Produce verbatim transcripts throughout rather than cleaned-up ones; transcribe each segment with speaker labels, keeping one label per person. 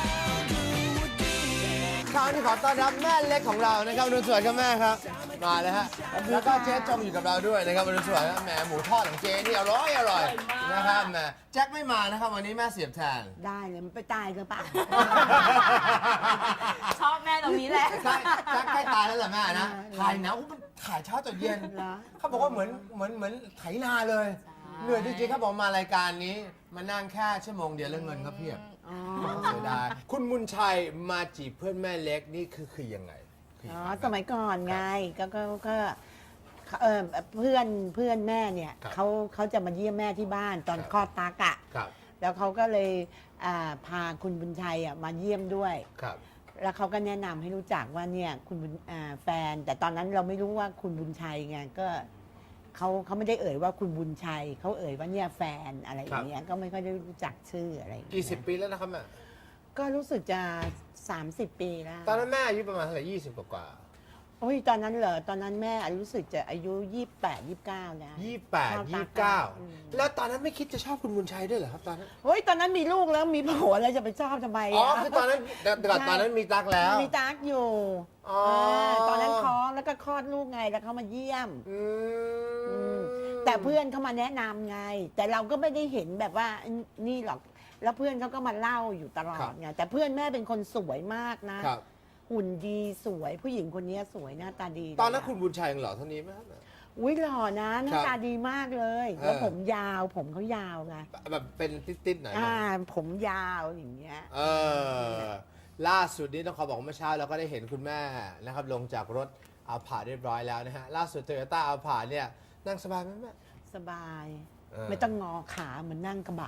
Speaker 1: คราวนี้ขอต้อนรับแม่เล็กของเรานะครับอรุณสวัสดิ์ครับแม่ครับมาเลยฮะแล้วก็เจ๊จงอยู่กับเราด้วยนะครับอรุณสวัสดิ์แหมหมูทอดของเจ๊นี่อร่อยอร่อยนะครับแหมแจ็คไม่มานะครับวันนี้แม่เสียบแทน
Speaker 2: ได้เลยมันไปตายกันปะ
Speaker 3: ชอบแม่ตรงนี้แหละ
Speaker 1: ใช่แจ็คใกล้ตายแล้วแหละแม่นะถ่ายหนาวมันถ่ายเช้าจนเย็น
Speaker 2: เหรอ
Speaker 1: เขาบอกว่าเหมือนเหมือนเหมือนไถนาเลยเหนื่อยจริงๆเขาบอกมารายการนี้มานั่งแค่ชั่วโมงเดียวแล้วเงินก็เพียบ
Speaker 2: อ๋อ
Speaker 1: เสียดายคุณมุนชัยมาจีบเพื่อนแม่เล็กนี่คือคือยังไงคือ
Speaker 2: อ๋
Speaker 1: ยั
Speaker 2: อง
Speaker 1: ไง
Speaker 2: สมัยก่อนไงก็ก็ก็เออเพื่อนเพื่อนแม่เนี่ย
Speaker 1: ครับ
Speaker 2: เขาเขาจะมาเยี่ยมแม่ที่บ้านตอน
Speaker 1: ครับ
Speaker 2: คลอดตากอะ
Speaker 1: ครับ
Speaker 2: แล้วเขาก็เลยอ่าพาคุณบุญชัยอ่ะมาเยี่ยมด้วย
Speaker 1: ครับ
Speaker 2: แล้วเขาก็แนะนำให้รู้จักว่าเนี่ยคุณบุญอ่าแฟน แต่ตอนนั้นเราไม่รู้ว่าคุณบุญชัยไงก็เขาเขาไม่ได้เอ่ยว่าคุณบุญชัยเขาเอ่ยว่าเนี่ยแฟนอะไรอย่างเงี้ยก็ไม่ค่อยได้รู้จักชื่ออะไรอย่างเงี้ย
Speaker 1: กี่สิบปีแล้วนะครับแม่
Speaker 2: ก็รู้สึกจะ สามสิบ ปีแล้ว
Speaker 1: ตอนนั้นแม่อายุประมาณเท่าไหร่ยี่สิบกว่า
Speaker 2: โอ้ยตอนนั้นเหรอตอนนั้นแม่รู้สึกจะอายุยี่สิบแปด ยี่สิบเก้าแล้ว
Speaker 1: ยี่สิบแปด
Speaker 2: ชอบ
Speaker 1: ยี่
Speaker 2: ตา
Speaker 1: สิบเก้า
Speaker 2: อืม
Speaker 1: แล้วตอนนั้นไม่คิดจะชอบคุณบุญชัยด้วยเหรอครับตอนนั้น
Speaker 2: เฮ้ยตอนนั้นมีลูกแล้วมีผัวแล้วจะไปชอบทำไม
Speaker 1: อ๋อ
Speaker 2: อะ
Speaker 1: คือตอนนั้นแต่แต่ก่อนตอนนั้นมีตักแล้ว
Speaker 2: มีตักอยู่
Speaker 1: อ๋ออ่
Speaker 2: าตอนนั้นท้องแล้วก็คลอดลูกไงแล้วเขามาเยี่ยม
Speaker 1: อื
Speaker 2: อื
Speaker 1: ม
Speaker 2: มแต่เพื่อนเขามาแนะนำไง แต่เราก็ไม่ได้เห็นแบบว่านี่หรอกแล้วเพื่อนเขาก็มาเล่าอยู่ตลอดไงแต่เพื่อนแม่เป็นคนสวยมากนะครับ หุ่นดีสวยผู้หญิงคนนี้สวยหน้าตาดี
Speaker 1: ตอนนั้นคุณบุญชัยยังหล่อเท่านี้ไหมครับ
Speaker 2: อุ้ยหล่อนะหน้า
Speaker 1: ครับ
Speaker 2: ตาดีมากเลย
Speaker 1: เออ
Speaker 2: แล้วผมยาวผมเขายาวไง
Speaker 1: แบบเป็นติดๆหน่อยนะ
Speaker 2: อ่าผมยาวอย่างเงี้ย
Speaker 1: เออล่าสุดนี้ต้องขอบอกว่าเมื่อเช้าเราก็ได้เห็นคุณแม่นะครับลงจากรถเอาผ่าเรียบร้อยแล้วนะฮะล่าสุดโตโยต้าเอาผ่าเนี่ยนั่งสบายไหมแม่
Speaker 2: สบาย
Speaker 1: เออ
Speaker 2: ไม่ต้องงอขาเหมือนนั่งกระบะ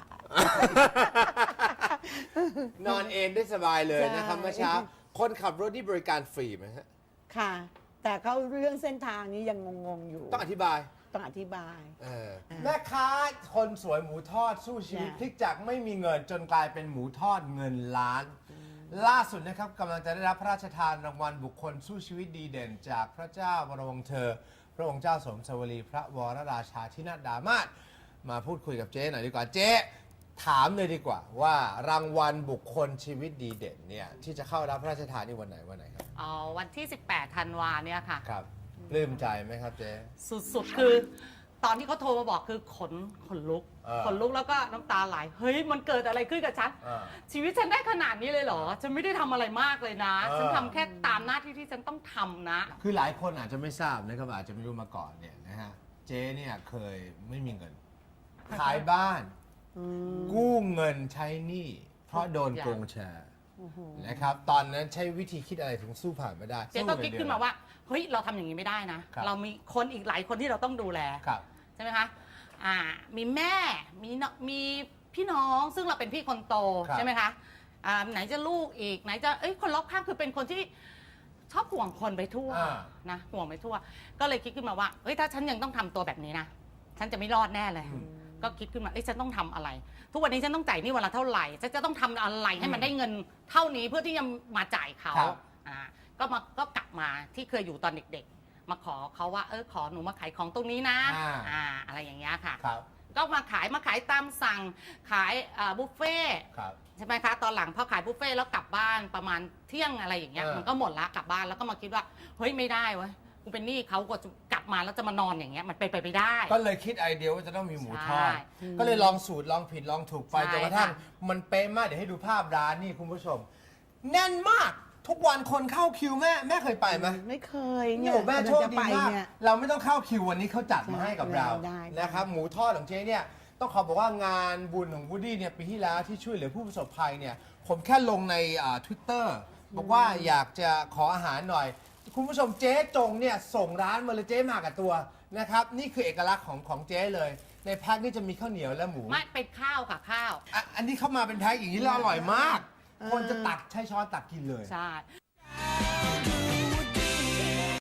Speaker 1: นอนเอนได้สบายเลย
Speaker 2: ใช่
Speaker 1: นะครับเมื่อเช้าคนขับรถที่บริการฟรีไหมฮะ
Speaker 2: ค่ะ แต่เขาเรื่องเส้นทางนี้ยังงงๆอยู่
Speaker 1: ต้องอธิบาย
Speaker 2: ต้องอธิบาย
Speaker 1: เออแม่ค้าคนสวยหมูทอดสู้ชีวิต
Speaker 2: จ้ะ
Speaker 1: พลิกจากไม่มีเงินจนกลายเป็นหมูทอดเงินล้าน ล่าสุดนะครับกำลังจะได้รับพระราชทานรางวัลบุคคลสู้ชีวิตดีเด่น จากพระเจ้าวรวงศ์เธอ พระองค์เจ้าสมสวรีพระวรราชาธินาถดามาศมาพูดคุยกับเจ๊หน่อยดีกว่าเจ๊ถามเลยดีกว่าว่ารางวัลบุคคลชีวิตดีเด่นเนี่ยที่จะเข้ารับพระราชทานนี่วันไหนวันไหนครับ
Speaker 3: อ๋อวันที่ สิบแปด ธันวาเนี่ยค่ะ
Speaker 1: ครับปลื้มใจไหมครับเจ๊
Speaker 3: สุดๆ คือตอนที่เขาโทรมาบอกคือขนขนลุก
Speaker 1: เออ
Speaker 3: ขนลุกแล้วก็น้ำตาไหล เฮ้ย มันเกิดอะไรขึ้นกับฉัน
Speaker 1: เออ
Speaker 3: ชีวิตฉันได้ขนาดนี้เลยเหรอ ฉันไม่ได้ทำอะไรมากเลยนะ
Speaker 1: เออ
Speaker 3: ฉันทำแค่ตามหน้าที่ที่ฉันต้องทำนะ
Speaker 1: คือหลายคนอาจจะไม่ทราบนะครับอาจจะไม่รู้มาก่อนเนี่ยนะฮะเจ๊เนี่ยเคยไม่มีเงิน ขายบ้าน
Speaker 2: อืม
Speaker 1: กู้เงินใช้หนี้เพราะโดนโกงแชร์
Speaker 2: โอ้โห
Speaker 1: นะครับตอนนั้นใช้วิธีคิดอะไรถึงสู้ผ่านมาได้
Speaker 3: เจ๊ก็คิดขึ้นมาว่า เฮ้ย เราทำอย่างนี้ไม่ได้นะ
Speaker 1: ครับ
Speaker 3: เรามีคนอีกหลายคนที่เราต้องดูแล
Speaker 1: ครับ
Speaker 3: ใช่ไหมคะ อ่า มีแม่ มีน้องมีพี่น้อง ซึ่งเราเป็นพี่คนโต
Speaker 1: ครับ
Speaker 3: ใช่ไหมคะ อ่า ไหนจะลูกอีก ไหนจะ เอ้ย คนรอบข้างคือเป็นคนที่ชอบห่วงคนไปทั่ว
Speaker 1: อ่า
Speaker 3: นะ ห่วงไปทั่ว ก็เลยคิดขึ้นมาว่า เฮ้ย ถ้าฉันยังต้องทำตัวแบบนี้นะ ฉันจะไม่รอดแน่เลย ก็คิดขึ้นมา เอ้ย ฉันต้องทำอะไร ทุกวันนี้ฉันต้องจ่ายหนี่วันละเท่าไหร่ ฉันจะต้องทำอะไรให้มันได้เงินเท่านี้เพื่อที่จะมาจ่ายเขา
Speaker 1: ครับ
Speaker 3: อ่า ก็มา ก็กลับมาที่เคยอยู่ตอนเด็กๆ มาขอเขาว่า เออ ขอหนูมาขายของตรงนี้นะ
Speaker 1: อ่า
Speaker 3: อ่า อะไรอย่างเงี้ยค่ะ
Speaker 1: ครับ
Speaker 3: ก็มาขายมาขายตามสั่งขายอ่าบุฟเฟ่ต์
Speaker 1: ครับ
Speaker 3: ใช่ไหมคะตอนหลังพอขายบุฟเฟ่ต์แล้วกลับบ้านประมาณเที่ยงอะไรอย่างเงี้ย
Speaker 1: เออ
Speaker 3: มันก็หมดละกลับบ้านแล้วก็มาคิดว่าเฮ้ยไม่ได้เว้ยกูเป็นหนี้เขาก็จะกลับมาแล้วจะมานอนอย่างเงี้ยมันเป็นไปไม่ได้
Speaker 1: ก็เลยคิดไอเดียว่าจะต้องมีหมูทอด
Speaker 3: ใช่
Speaker 1: ก็เลยลองสูตรลองผิดลองถูกไป
Speaker 3: ใช่
Speaker 1: จนกระทั่ง
Speaker 3: ค่ะ
Speaker 1: มันเป๊ะมากเดี๋ยวให้ดูภาพร้านนี่คุณผู้ชม แน่นมากทุกวันคนเข้าคิวแม่แม่เคยไปไหม
Speaker 2: ไม่เคย
Speaker 1: นี่
Speaker 2: เนี่ย
Speaker 1: โอ้แม่โชค
Speaker 2: จะ
Speaker 1: ดี
Speaker 2: ไป
Speaker 1: มาก
Speaker 2: เนี่ย
Speaker 1: เราไม่ต้องเข้าคิววันนี้เขาจัดมาให้กับเรา
Speaker 2: ได้ได้
Speaker 1: นะครับหมูทอดของเจ๊เนี่ยต้องขอบอกว่างานบุญของวูดดี้เนี่ยปีที่แล้วที่ช่วยเหลือผู้ประสบภัยเนี่ยผมแค่ลงในทวิตเตอร์บอกว่าอยากจะขออาหารหน่อย คุณผู้ชมเจ๊จงเนี่ยส่งร้านมาเลยเจ๊มากับตัวนะครับนี่คือเอกลักษณ์ของของเจ๊เลย ในแพ็คนี่จะมีข้าวเหนียวและหมู
Speaker 3: ไม่เป็นข้าวค่ะข้าว
Speaker 1: อ่ะอันนี้เข้ามาเป็นแพ็คอย่างนี้แล้วอร่อยมาก คนจะตักใช้ช้อนตักกินเลย
Speaker 3: ใช่